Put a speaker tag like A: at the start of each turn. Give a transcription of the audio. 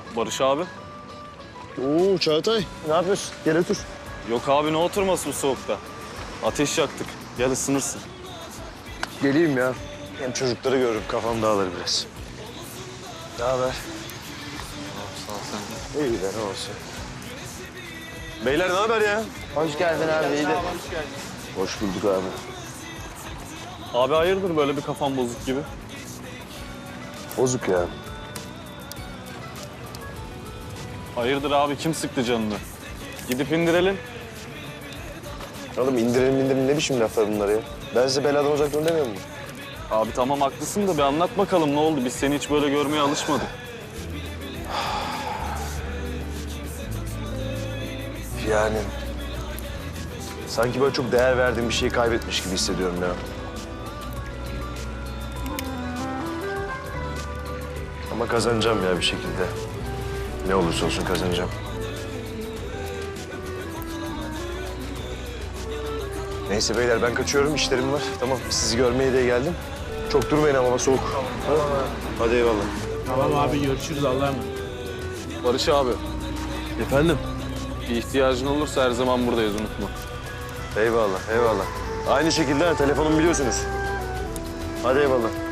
A: Barış abi.
B: Oo Çağatay, ne yapıyorsun? Gel otur.
A: Yok abi ne oturması bu soğukta? Ateş yaktık. Gel ısınırsın.
B: Geleyim ya. Hem çocukları görürüm, kafam dağılır biraz. Ne haber?
A: Sağ ol sen.
B: İyi de ne olsun. Beyler ne haber ya?
C: Hoş geldin abi, iyi de.
B: Hoş bulduk abi.
A: Abi hayırdır böyle bir kafan bozuk gibi?
B: Bozuk ya.
A: Hayırdır abi kim sıktı canını? Gidip indirelim.
B: Oğlum indirelim ne biçim laflar bunlar ya? Ben size beladan uzak durun demiyor muyum?
A: Abi tamam haklısın da bir anlat bakalım ne oldu? Biz seni hiç böyle görmeye alışmadık.
B: Yani... Sanki böyle çok değer verdiğim bir şeyi kaybetmiş gibi hissediyorum ya. Ama kazanacağım ya bir şekilde. Ne olursa olsun kazanacağım. Neyse beyler ben kaçıyorum, işlerim var. Tamam, sizi görmeye de geldim. Çok durmayın ama soğuk. Tamam. Hadi eyvallah.
D: Tamam abi görüşürüz Allah'a emanet.
A: Barış abi
B: Efendim?
A: bir ihtiyacın olursa her zaman buradayız unutma.
B: Eyvallah, eyvallah. Aynı şekilde telefonumu biliyorsunuz. Hadi eyvallah.